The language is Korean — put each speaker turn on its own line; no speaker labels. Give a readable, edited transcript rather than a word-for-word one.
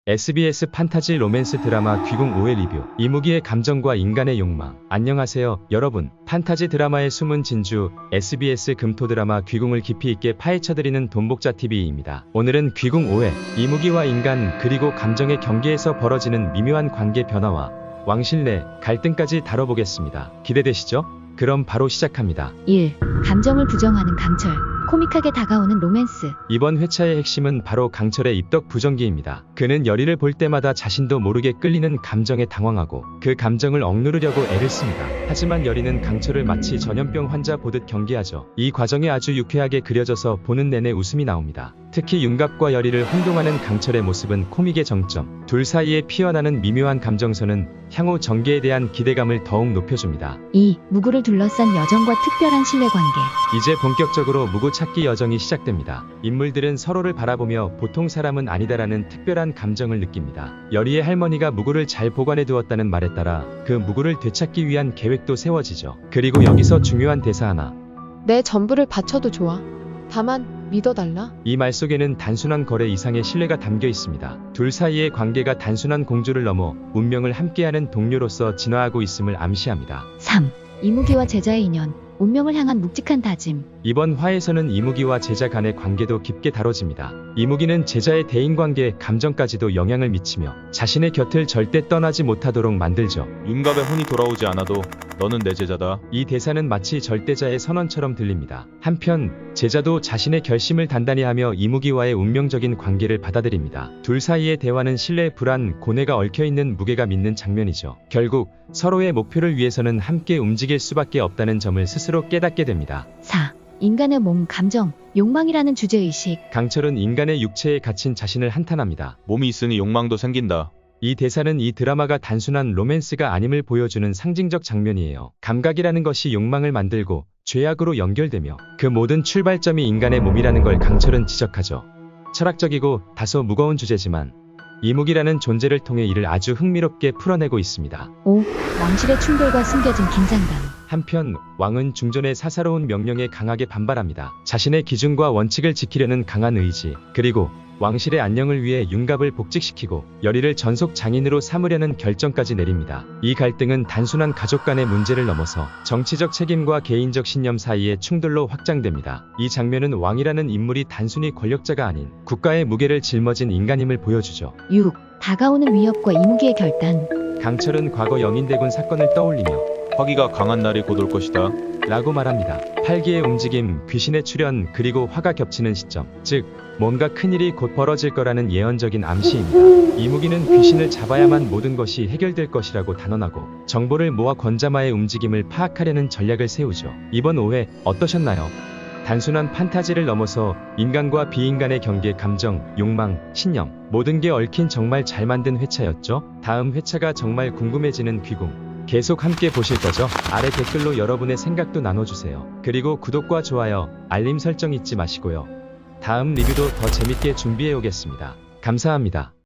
SBS 판타지 로맨스 드라마 귀궁 5회 리뷰. 이무기의 감정과 인간의 욕망. 안녕하세요, 여러분. 판타지 드라마의 숨은 진주, SBS 금토 드라마 귀궁을 깊이 있게 파헤쳐드리는 돈복자TV입니다. 오늘은 귀궁 5회, 이무기와 인간 그리고 감정의 경계에서 벌어지는 미묘한 관계 변화와 왕실 내 갈등까지 다뤄보겠습니다. 기대되시죠? 그럼 바로 시작합니다.
1. 감정을 부정하는 강철. 코믹하게 다가오는 로맨스.
이번 회차의 핵심은 바로 강철의 입덕 부정기입니다. 그는 여리를 볼 때마다 자신도 모르게 끌리는 감정에 당황하고 그 감정을 억누르려고 애를 씁니다. 하지만 여리는 강철을 마치 전염병 환자 보듯 경계하죠. 이 과정이 아주 유쾌하게 그려져서 보는 내내 웃음이 나옵니다. 특히 윤갑과 여리를 혼동하는 강철의 모습은 코믹의 정점. 둘 사이에 피어나는 미묘한 감정선은 향후 전개에 대한 기대감을 더욱 높여줍니다.
2. 무구를 둘러싼 여정과 특별한 신뢰관계.
이제 본격적으로 무구 찾기 여정이 시작됩니다. 인물들은 서로를 바라보며 보통 사람은 아니다라는 특별한 감정을 느낍니다. 여리의 할머니가 무구를 잘 보관해 두었다는 말에 따라 그 무구를 되찾기 위한 계획도 세워지죠. 그리고 여기서 중요한 대사 하나.
내 전부를 바쳐도 좋아. 다만 믿어달라.
이 말 속에는 단순한 거래 이상의 신뢰가 담겨 있습니다. 둘 사이의 관계가 단순한 공주를 넘어 운명을 함께하는 동료로서 진화하고 있음을 암시합니다.
3. 이무기와 제자의 인연. 운명을 향한 묵직한 다짐.
이번 화에서는 이무기와 제자 간의 관계도 깊게 다뤄집니다. 이무기는 제자의 대인관계, 감정까지도 영향을 미치며 자신의 곁을 절대 떠나지 못하도록 만들죠.
윤갑의 혼이 돌아오지 않아도 너는 내 제자다.
이 대사는 마치 절대자의 선언처럼 들립니다. 한편 제자도 자신의 결심을 단단히 하며 이무기와의 운명적인 관계를 받아들입니다. 둘 사이의 대화는 신뢰, 불안, 고뇌가 얽혀있는 무게가 믿는 장면이죠. 결국 서로의 목표를 위해서는 함께 움직일 수밖에 없다는 점을 스스로 깨닫게 됩니다.
4. 인간의 몸, 감정, 욕망이라는 주제의식.
강철은 인간의 육체에 갇힌 자신을 한탄합니다.
몸이 있으니 욕망도 생긴다.
이 대사는 이 드라마가 단순한 로맨스가 아님을 보여주는 상징적 장면이에요. 감각이라는 것이 욕망을 만들고 죄악으로 연결되며 그 모든 출발점이 인간의 몸이라는 걸 강철은 지적하죠. 철학적이고 다소 무거운 주제지만 이무기라는 존재를 통해 이를 아주 흥미롭게 풀어내고 있습니다.
5. 왕실의 충돌과 숨겨진 긴장감.
한편 왕은 중전의 사사로운 명령에 강하게 반발합니다. 자신의 기준과 원칙을 지키려는 강한 의지, 그리고 왕실의 안녕을 위해 윤갑을 복직시키고 여리를 전속 장인으로 삼으려는 결정까지 내립니다. 이 갈등은 단순한 가족 간의 문제를 넘어서 정치적 책임과 개인적 신념 사이의 충돌로 확장됩니다. 이 장면은 왕이라는 인물이 단순히 권력자가 아닌 국가의 무게를 짊어진 인간임을 보여주죠.
6. 다가오는 위협과 이무기의 결단.
강철은 과거 영인대군 사건을 떠올리며
화기가 강한 날이 곧 올 것이다.
라고 말합니다. 팔기의 움직임, 귀신의 출현, 그리고 화가 겹치는 시점, 즉 뭔가 큰일이 곧 벌어질 거라는 예언적인 암시입니다. 이무기는 귀신을 잡아야만 모든 것이 해결될 것이라고 단언하고 정보를 모아 권자마의 움직임을 파악하려는 전략을 세우죠. 이번 5회 어떠셨나요? 단순한 판타지를 넘어서 인간과 비인간의 경계, 감정, 욕망, 신념, 모든 게 얽힌 정말 잘 만든 회차였죠? 다음 회차가 정말 궁금해지는 귀궁. 계속 함께 보실 거죠? 아래 댓글로 여러분의 생각도 나눠주세요. 그리고 구독과 좋아요, 알림 설정 잊지 마시고요. 다음 리뷰도 더 재밌게 준비해 오겠습니다. 감사합니다.